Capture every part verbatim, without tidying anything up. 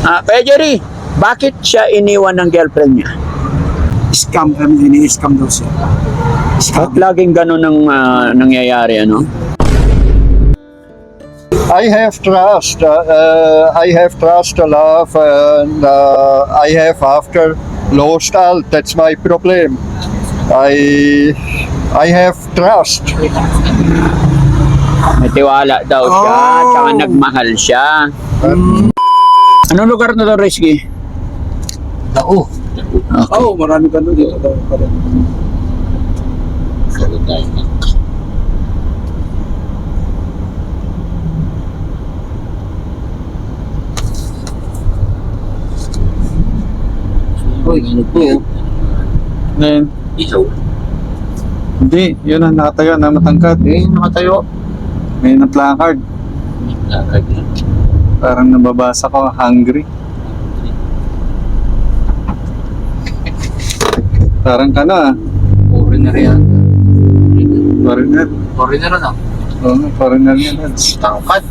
Ah, Kuya Jerry, bakit siya iniwan ng girlfriend niya? Scam kami, ini-scam daw siya. At laging ganun ang ah, nangyayari, ano? I have trust. Uh, uh, I have trust, love, and uh, I have after lost all. That's my problem. I I have trust. May tiwala daw siya, Oh. tsaka nagmahal siya. Anong lugar na to, Rizky? Tao. Okay. Oo, oh, marami ka doon dito. daw pala. Follow tayo na. Uy, ano po? Then, Ikaw? hindi, yun ang nakatayo na matangkad. Eh, nakatayo. May na-placard. Lakad na. Parang nababasa ko, hungry. Parang ka na, ah. Foreigner yan. Foreigner. Foreigner ano? Oo, foreigner yan. Lads. Tangkad.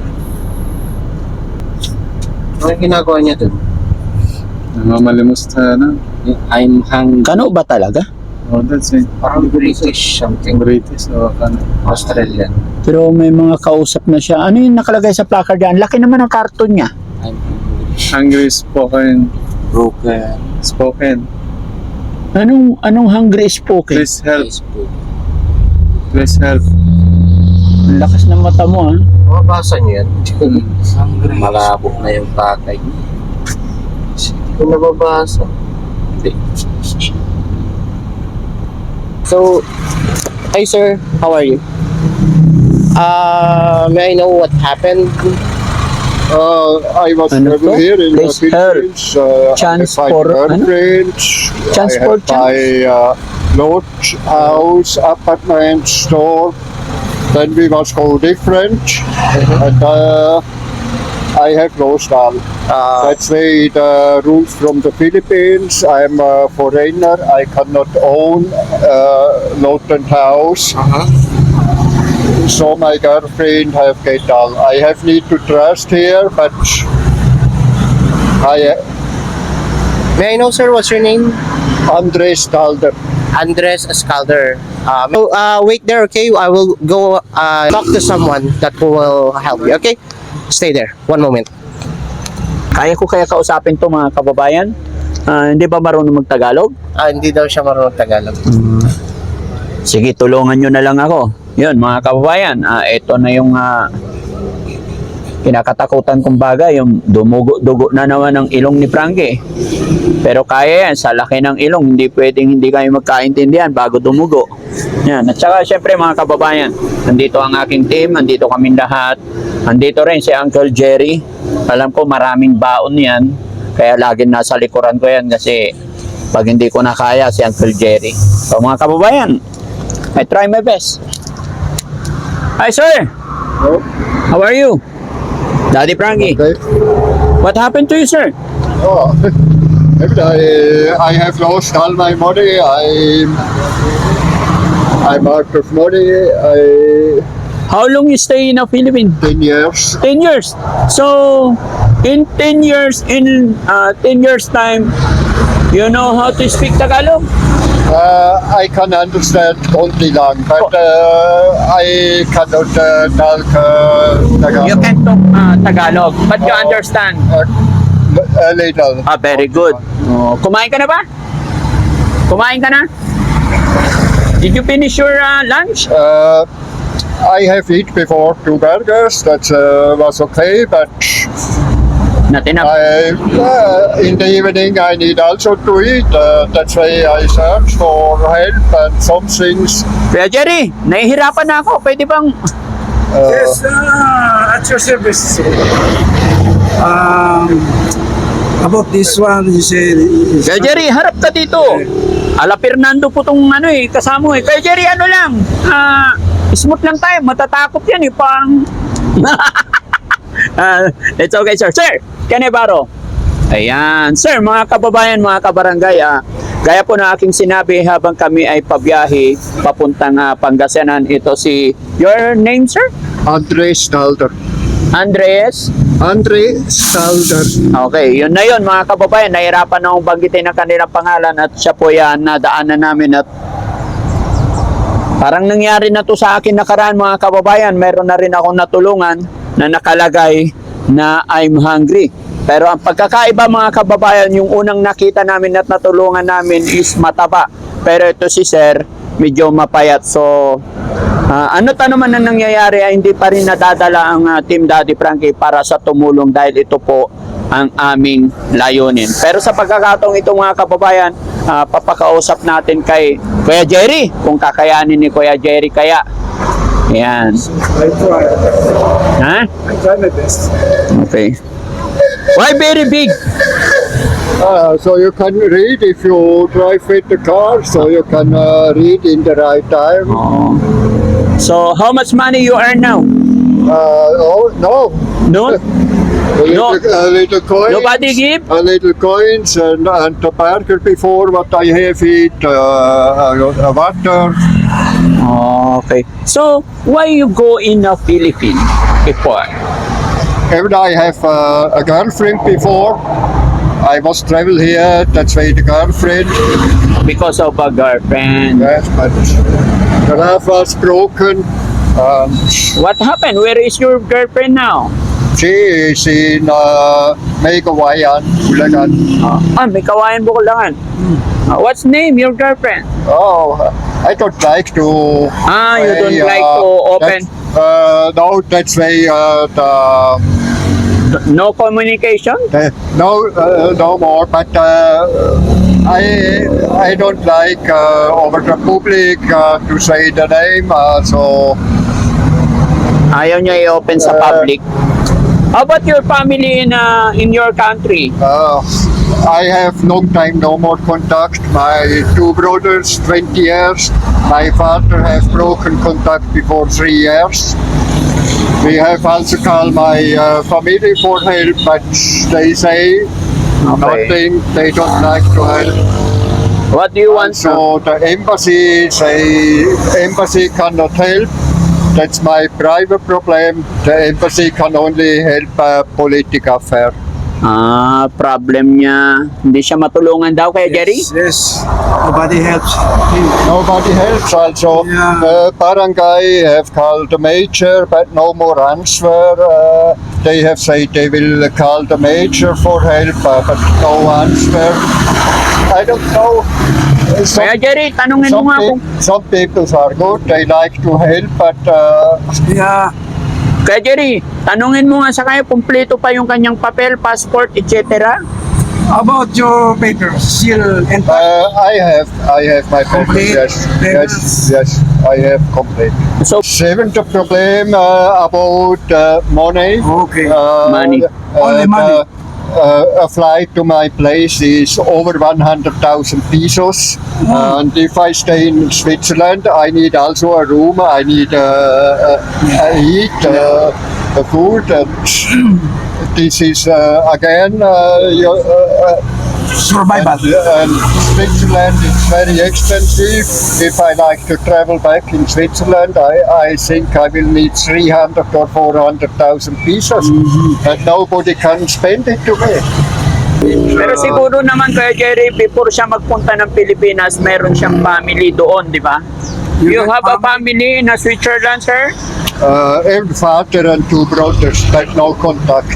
Ano yung ginagawa niya dun? Namamalimos sa ano. I'm hungry. Kano ba talaga? Oh, that's it. Parang British something. British o ano. Australian. Pero may mga kausap na siya. Ano yung nakalagay sa placard yan? Laki naman ang karton niya. I'm hungry. Hungry spoken. Broken. Spoken. Anong anong hungry spoken? Please help. Facebook. Please help. Ang lakas ng mata mo, ha? Mababasa niyo yan. Hungry. Malabo na yung pakay. Hindi ko nababasa. Hindi. So, hi sir, how are you? Uh, may I know what happened? Uh, I was Ano travel to? here in the Please help. Philippines. Uh, Chance I have for- my ano? girlfriend. Chance I for have my uh, lodge, house, apartment, store. Then we must go different. And uh, I have lost all. Uh, That's why the rules from the Philippines. I'm a foreigner. I cannot own uh, lot and house. uh-huh. So my girlfriend have get all. I have need to trust here, but I May I know sir, what's your name? Andres Stalder. Andres Escalder. Um, so, uh, wait there, okay? I will go uh, talk to someone that will help you, okay? Stay there. One moment. Kaya ko kaya kausapin to mga kababayan? Ah, hindi ba marunong magtagalog? Ah, hindi daw siya marunong Tagalog. Sige, tulungan nyo na lang ako. Yun, mga kababayan, ah, ito na yung ah, kinakatakutan kong bagay, yung dumugo-dugo na naman ng ilong ni Frankie. Pero kaya yan, sa laki ng ilong, hindi pwedeng hindi kayo magkaintindihan bago dumugo. Yan. At saka, syempre mga kababayan, nandito ang aking team, nandito kaming lahat. Nandito rin si Uncle Jerry. Alam ko maraming baon yan, kaya laging nasa likuran ko yan kasi pag hindi ko na kaya si Uncle Jerry. So mga kababayan, I try my best. Hi sir! Oh, How are you? Daddy Frankie. okay. What happened to you, sir? Oh, I, I have lost all my money. I I'm out of money. I How long you stay in the Philippines? ten years. ten years. So, in ten years, in uh, ten years time, you know how to speak Tagalog? Uh, I can understand only lang, but uh, I cannot uh, talk uh, Tagalog. You can talk uh, Tagalog, but you Oo. understand. Uh, a little. Ah, very good. Oh, kumain ka na ba? Kumain ka na? Did you finish your uh, lunch? Uh, I have eat before two burgers. That uh, was okay, but Not enough. I, uh, in the evening I need also to eat. Uh, that's why I search for help and some things. Kuya Jerry, nahihirapan na ako. Pwede bang... Uh, Yes, uh, at your service. Um, about this one, you say... Kuya Jerry, harap ka dito. Ala Fernando po tong ano eh, kasama mo eh. Kuya Jerry, ano lang, ah, smooth lang tayo, matatakot yan eh, parang... Ah, it's okay, sir. Sir, Canevaro. Ayan. Sir, mga kababayan, mga kabarangay, ah, gaya po na aking sinabi habang kami ay pabiyahe papuntang ah, Pangasinan, ito si... Your name, sir? Andres Stalder. Andres? Andre Skalder. Okay, yun na yun mga kababayan. Nahirapan na akong banggitin ang kanilang pangalan at siya po yan nadaanan namin at parang nangyari na to sa akin nakaraan mga kababayan. Meron na rin akong natulungan na nakalagay na I'm hungry. Pero ang pagkakaiba mga kababayan, yung unang nakita namin at natulungan namin is mataba. Pero ito si Sir, medyo mapayat. So, uh, ano ta naman ang nangyayari ay hindi pa rin nadadala ang uh, Team Daddy Frankie para sa tumulong dahil ito po ang aming layunin. Pero sa pagkakataong ito mga kababayan, uh, papakausap natin kay Kuya Jerry, kung kakayanin ni Kuya Jerry kaya. Yan. I try. Ha? I try my best. Okay. Why very big? Uh, so you can read if you drive with the car, so you can uh, read in the right time. Oh. So, how much money you earn now? Uh, oh, no. No? A little, a little coin. Nobody give? A little coins and, and the burger before what I have eat, uh, uh, water. Okay. So, why you go in the Philippines before? Even I have uh, a girlfriend before. I was travel here, that's why the girlfriend. Because of a girlfriend. Yes, but the love was broken. Um, What happened? Where is your girlfriend now? she is in uh, Megawayan, Bulacan. Ah, may kawayan Bukulangan. Ah, what's name your girlfriend? Oh, I don't like to. Ah, you don't play, like uh, to open. that- Uh, no, that's why uh, the, No communication? the no uh, no more. But uh, I I don't like uh, over the public uh, to say the name. Uh, so Ayaw niya i-open sa Uh, public. How about your family in uh, in your country? uh, I have long time no more contact. My two brothers, twenty years. My father has broken contact before three years. We have also called my uh, family for help, but they say nothing. They don't like to help. What do you want to? So the embassy say embassy cannot help. That's my private problem. The embassy can only help a political affair. Ah, problem niya. Hindi siya matulungan daw kaya Jerry? Yes, yes. Nobody helps him. Nobody helps also. Yeah. Uh, barangay have called the major, but no more answer. Uh, they have said they will call the major for help, uh, but no answer. I don't know. Uh, Some, Kaya Jerry, tanungin mo some, nga pe- kung... some people are good. They like to help, but uh, Yeah. Kaya Jerry, tanungin mo nga sa kanya, kumpleto pa yung kanyang papel, passport, et cetera. About your papers, seal and uh, I have I have my papers. Complete Yes, yes, papers. yes. I have complete. So, Seventh problem uh, about uh, money. Okay. Uh, Money. Only money. Uh, a flight to my place is over one hundred thousand pesos. And if I stay in Switzerland, I need also a room. I need uh, uh, uh, eat, uh, uh, food. And this is uh, again uh, your, uh, uh, survival. and Switzerland is very expensive. If I like to travel back in Switzerland, I, I think I will need three hundred or four hundred thousand pesos. And nobody can spend it to me. pero siguro naman kaya Jerry, before siya magpunta ng Pilipinas, meron siyang family doon, di ba? You have a family in uh, Switzerland, sir? Uh, and father and two brothers, but no contact.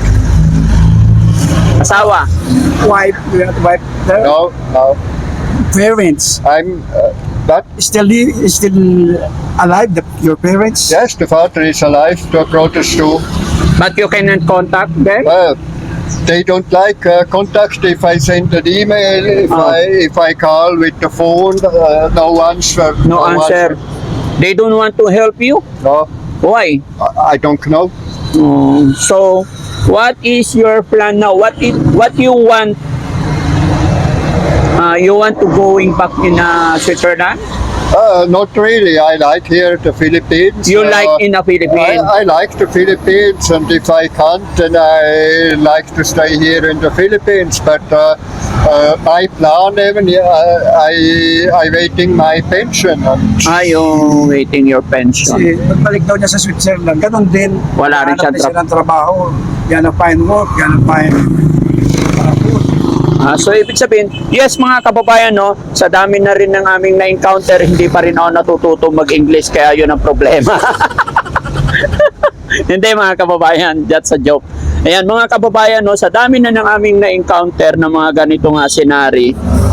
Asawa? Wife, we have wife. The No, no. parents I'm, uh, but still li- still alive. The, your parents. yes, the father is alive, the brothers too. But you cannot contact them? Well, they don't like uh, contact. If I send an email, if Oh. I if I call with the phone, uh, no answer. No answer. They don't want to help you? No, Why? I, I don't know. Um, so, what is your plan now? What is, what you want? Uh, you want to going back in uh, Switzerland? Uh, not really. I like here the Philippines. You Uh, like in the Philippines? I, I like the Philippines, and if I can't, then I like to stay here in the Philippines. But uh, uh, my plan, even uh, I I waiting my pension. And Are you waiting your pension? Kasi pagbalik daw niya sa Switzerland, ganun din. Wala rin siyang Hanap din tra- silang trabaho. Yan ang fine work, yan ang fine uh, food. Ah, so ibig sabihin, yes mga kababayan, no, sa dami na rin ng aming na-encounter, hindi pa rin ako natututo mag-English, kaya yun ang problema. Hindi mga kababayan, that's a joke. Ayan mga kababayan, no, sa dami na ng aming na-encounter ng mga ganito nga scenario,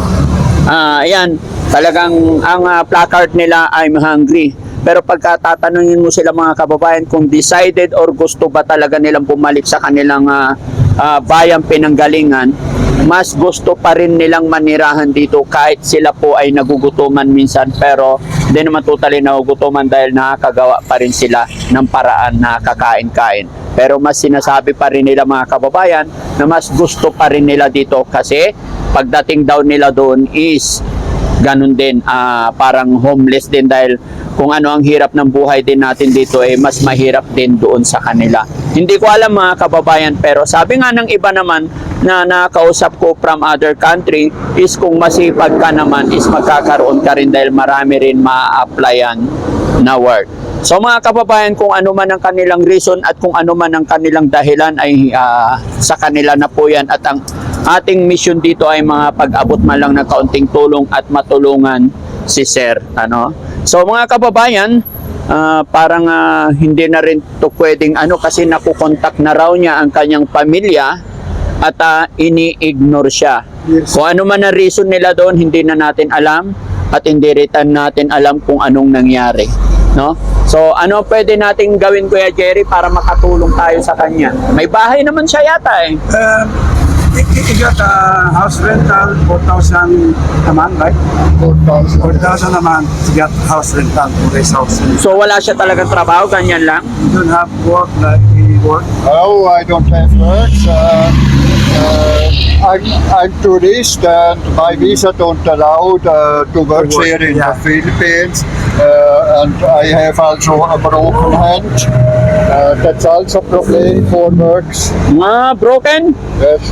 ah, ayan, talagang ang ah, placard nila, I'm hungry. Pero pagka tatanungin mo sila mga kababayan kung decided or gusto ba talaga nilang bumalik sa kanilang ah, ah, bayang pinanggalingan, mas gusto pa rin nilang manirahan dito kahit sila po ay nagugutuman minsan, pero hindi naman totally nagugutuman dahil nakakagawa pa rin sila ng paraan na kakain-kain. Pero mas sinasabi pa rin nila mga kababayan na mas gusto pa rin nila dito kasi pagdating daw nila doon is ganun din, ah, parang homeless din dahil kung ano ang hirap ng buhay din natin dito eh mas mahirap din doon sa kanila. Hindi ko alam mga kababayan, pero sabi nga ng iba naman na nakausap ko from other country is kung masipag ka naman is magkakaroon ka rin dahil marami rin ma-applyan na work. So mga kababayan, kung ano man ang kanilang reason at kung ano man ang kanilang dahilan ay ah, sa kanila na po yan, at ang ating mission dito ay mga pag-abot man lang ng kaunting tulong at matulungan si Sir. Ano? So mga kababayan, ah, parang ah, hindi na rin to pwedeng ano kasi nakukontak na raw niya ang kanyang pamilya at ah, ini-ignore siya. Yes. Kung ano man ang reason nila doon, hindi na natin alam at hindi rin natin alam kung anong nangyari. No? So ano pwede nating gawin, Kuya Jerry, para makatulong tayo sa kanya? May bahay naman siya yata eh. Um, you, you got a house rental, four thousand a month, right? four thousand. four thousand a month to get house rental for this house. You So wala siya talagang trabaho, ganyan lang. don't have work like any work. Oh, I don't have work. Uh, uh, I'm, I'm tourist, and my visa don't allow uh, to work To work, here in yeah. the Philippines. Uh, and I have also a broken hand. Uh, that's also problem for works. Mga broken, Yes.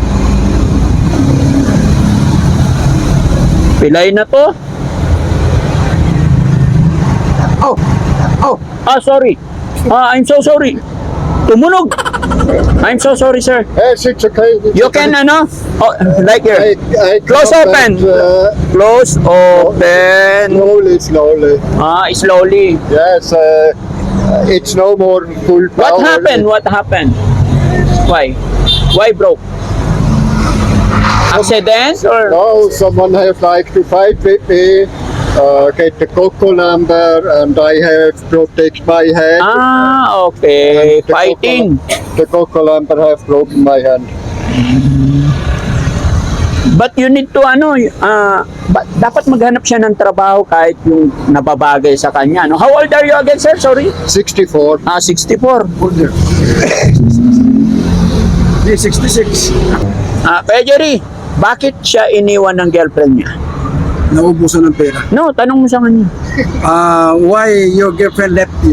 pilay na to. Oh, oh, Ah, sorry. Ah, I'm so sorry. Tumunog. I'm so sorry, sir. Yes, it's okay. It's You okay. can, ano? Oh, like I, here. I Close cannot, open. Uh, Close, open. slowly, slowly. Ah, slowly. Yes, uh, it's no more full power. What happened? What happened? Why? Why broke? Accident or? No, someone have like to fight with me, uh, get the cocoa number, and I have protect my hand. Ah, okay. And the Fighting. Cocoa, the cocoa number have broken my hand. But you need to, ano, ah, ba- dapat maghanap siya ng trabaho kahit yung nababagay sa kanya. No? How old are you again, sir? Sorry? sixty-four. Ah, sixty-four. older. Di sixty-six. Ah, Kuya Jerry, bakit siya iniwan ng girlfriend niya? Naubusan ng pera. No, tanong mo sa kanya. Uh, why your girlfriend left you?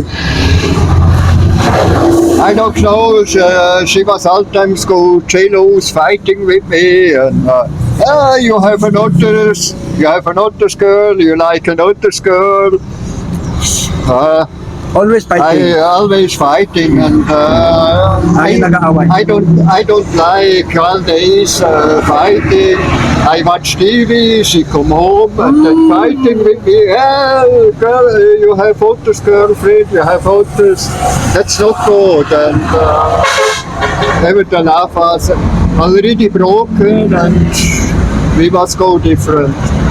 I don't know. She, she was sometimes go jealous, fighting with me, and uh, ah, you have another, you have another girl, you like another girl. Uh, Always I fighting. always fighting, and uh, Ay, nag-aaway. I don't I don't like all days uh, fighting. I watch T V. She come home and then fighting with me. Hey, girl, you have others girlfriend. You have others. That's not good. And uh, even the love was already broken, and we must go different.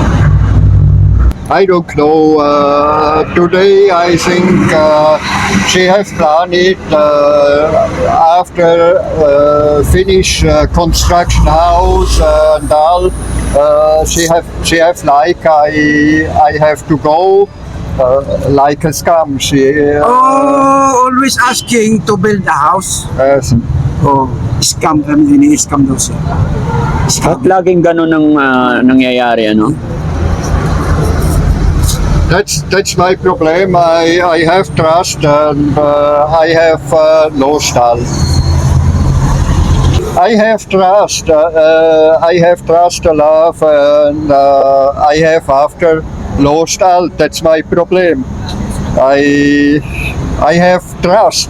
I don't know. Uh, today, I think uh, she has planned it uh, after uh, finish uh, construction house and all. Uh, she have she have like I I have to go uh, like a scam. She uh, Oh, always asking to build a house. yes. Oh, scam kami, ini-scam daw siya. At laging ganun ang ah, nangyayari, ano? That's that's my problem. I I have trust and uh, I have uh, no style. I have trust. Uh, uh, I have trust a lot, and uh, I have after low style. That's my problem. I I have trust.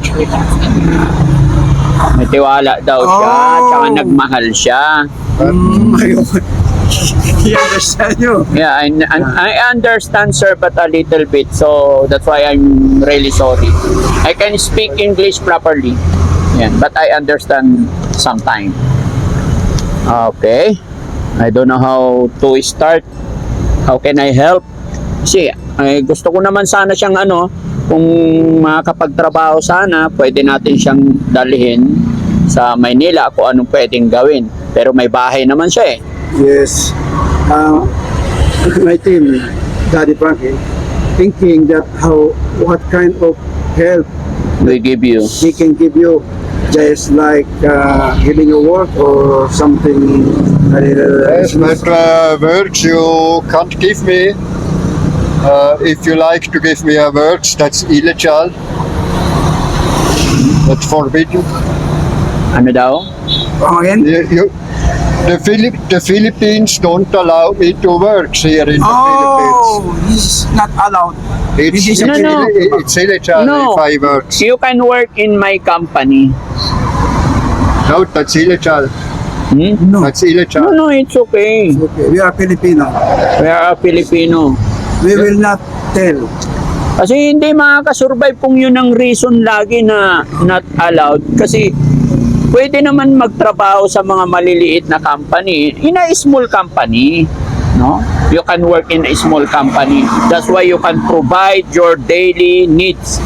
May tiwala daw siya, Oh. tsaka nagmahal siya. Mm, ayun. He understand you. Yeah, I, I, I understand, sir, but a little bit. So that's why I'm really sorry. I can speak English properly. Yeah, but I understand sometime. Okay. I don't know how to start. How can I help? Kasi ay, gusto ko naman sana siyang ano, kung makakapagtrabaho sana, pwede natin siyang dalhin sa Maynila kung anong pwedeng gawin. Pero may bahay naman siya eh. Yes. Uh, my team, Daddy Frankie, thinking that how, what kind of help We give you. he can give you, just like uh, giving you work or something. A little, Yes, but uh, words you can't give me. Uh, if you like to give me a words, that's illegal. That's forbidden. Ano daw? Come again? You, you, the, Philip, the Philippines don't allow me to work here in the Oh, he's not allowed. Philippines. It's, This is No, it's, no. ill- it's illegal No. if I work. You can work in my company. No, that's illegal. Hmm? No. That's No, illegal. no, it's okay. Okay, we are Filipino. We are a Filipino. We will not tell. Kasi hindi makakasurvive kung yun ang reason lagi na not allowed. Kasi pwede naman magtrabaho sa mga maliliit na company. In a small company, no? You can work in a small company. That's why you can provide your daily needs.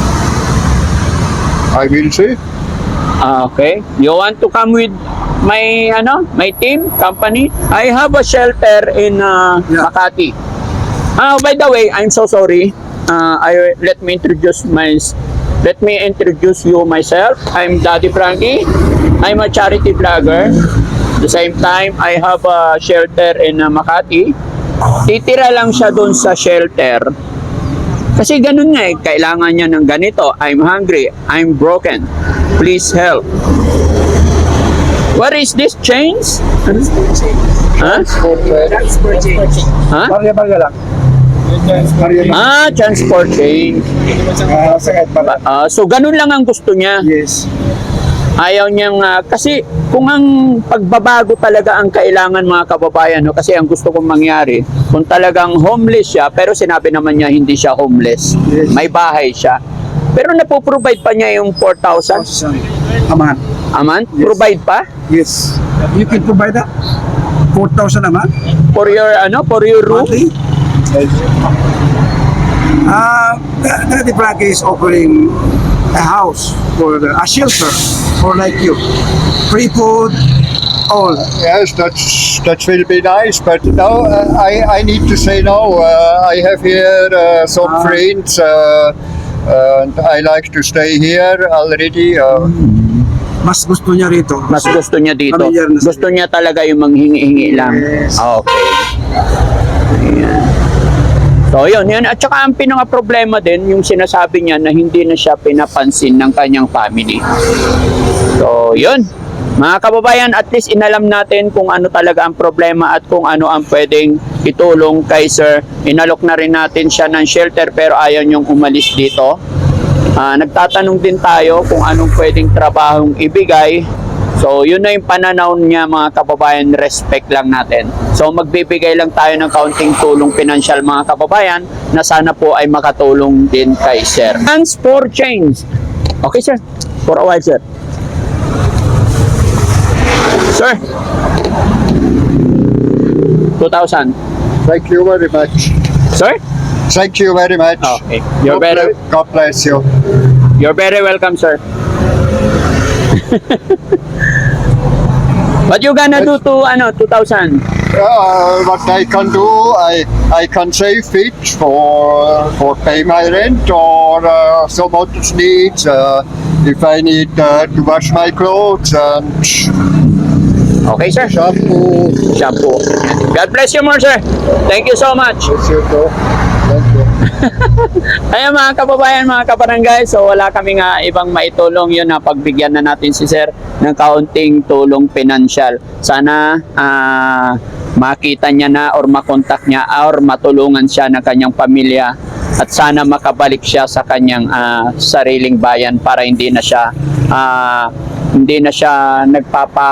I will see. Ah, okay. You want to come with my ano, my team company? I have a shelter in uh, Yeah. Makati. Ah, by the way, I'm so sorry. Uh, I let me introduce my let me introduce you myself. I'm Daddy Frankie. I'm a charity vlogger. At the same time, I have a shelter in uh, Makati. Titira lang siya doon sa shelter. Kasi ganun nga eh, kailangan niya ng ganito. I'm hungry. I'm broken. Please help. What is this chains? Huh? Huh? Barya-barya lang. Barya-barya. Ah, transport chain. Ah, sakit pala. Ah, so ganun lang ang gusto niya. Yes. Ayaw niyang ah, kasi kung ang pagbabago talaga ang kailangan mga kababayan, no, kasi ang gusto kong mangyari, kung talagang homeless siya, pero sinabi naman niya hindi siya homeless. Yes. May bahay siya. Pero napoprovide pa niya yung four thousand Aman. a month? Yes. Provide pa? Yes. You can provide that. four thousand naman. For your ano, for your room? Monthly. Uh, Daddy Frankie is offering a house for the, a shelter for like you. Free food, all. Yes, that's that will be nice. But now uh, I I need to say now. Uh, I have here uh, some Ah. friends, uh, and I like to stay here already. Uh, Mas gusto niya rito. Mas gusto niya dito. Familiar na sa- Gusto niya talaga yung manghingi-hingi lang. Yes. Okay. Ayan. So yun, yun. At saka ang pinaka-problema din, yung sinasabi niya na hindi na siya pinapansin ng kanyang family. So yun. Mga kababayan, at least inalam natin kung ano talaga ang problema at kung ano ang pwedeng itulong kay sir. Inalok na rin natin siya ng shelter pero ayaw niyong umalis dito. Ah, nagtatanong din tayo kung anong pwedeng trabahong ibigay. So, yun na yung pananaw niya mga kababayan, respect lang natin. So, magbibigay lang tayo ng kaunting tulong pinansyal mga kababayan na sana po ay makatulong din kay sir. Hands for change. Okay sir, for a while sir. Sir, two thousand. thank you very much. Sir? Thank you very much. Okay. You're God very, bless- God bless you. you're very welcome, sir. What you gonna do to ano two thousand? Uh, what I can do, I I can save it for for pay my rent or uh, some other needs. Uh, if I need uh, to wash my clothes and Okay, sir. shampoo. Shampoo. God bless you more, sir. Thank you so much. Yes, you do. Thank you. Ayan mga kababayan, mga kabarangay, so wala kami nga ibang maitulong yun na pagbigyan na natin si sir ng kaunting tulong pinansyal. Sana ah, makita niya na or makontak niya or matulungan siya ng kanyang pamilya at sana makabalik siya sa kanyang ah, sariling bayan para hindi na siya ah, hindi na siya nagpapa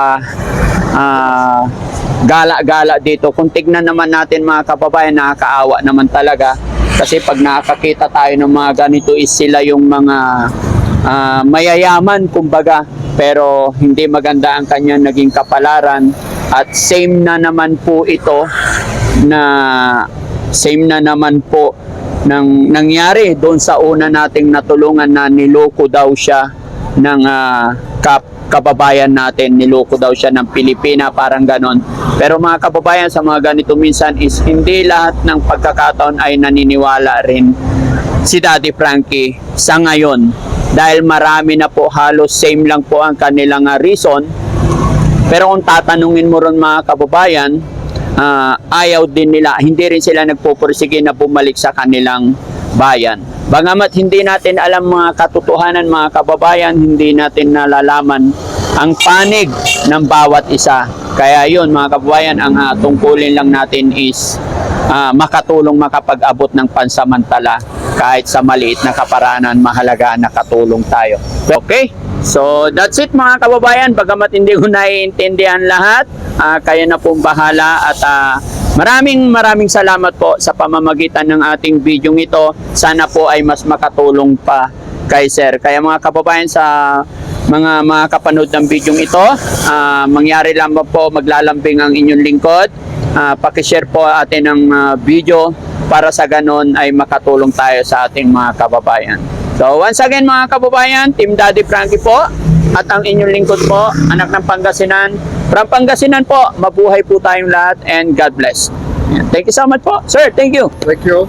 ah, gala-gala dito. Kung tignan naman natin mga kababayan, nakakaawa naman talaga kasi pag nakakakita tayo ng mga ganito is sila yung mga ah, mayayaman kumbaga, pero hindi maganda ang kanyang naging kapalaran. At same na naman po ito na same na naman po nang nangyari doon sa una nating natulungan na niloko daw siya ng ah, kap kababayan natin, niloko daw siya ng Pilipina, parang ganon. Pero mga kababayan, sa mga ganito minsan is hindi lahat ng pagkakataon ay naniniwala rin si Daddy Frankie sa ngayon, dahil marami na po halos same lang po ang kanilang ah, reason. Pero kung tatanungin mo ron mga kababayan, ah, ayaw din nila, hindi rin sila nagpupursige na bumalik sa kanilang bayan. Bagamat hindi natin alam mga katotohanan mga kababayan, hindi natin nalalaman ang panig ng bawat isa. Kaya yun mga kababayan, ang uh, tungkulin lang natin is uh, makatulong makapag-abot ng pansamantala kahit sa maliit na kaparanan, mahalaga na katulong tayo. Okay? So that's it mga kababayan, bagamat hindi ko naiintindihan lahat, uh, kayo na pong bahala at uh, maraming maraming salamat po sa pamamagitan ng ating video ito. Sana po ay mas makatulong pa kay sir. Kaya mga kababayan, sa mga mga kapanood ng video ito, uh, mangyari lang po maglalambing ang inyong lingkod. Uh, pakishare po atin ng uh, video para sa ganon ay makatulong tayo sa ating mga kababayan. So once again mga kababayan, Team Daddy Frankie po at ang inyong lingkod po, anak ng Pangasinan. From Pangasinan po, mabuhay po tayong lahat and God bless. Yan. Thank you so much po. Sir, thank you. Thank you.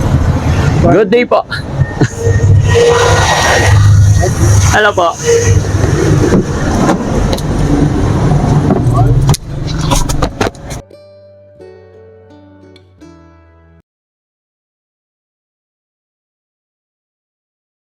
Good day po. Hello po.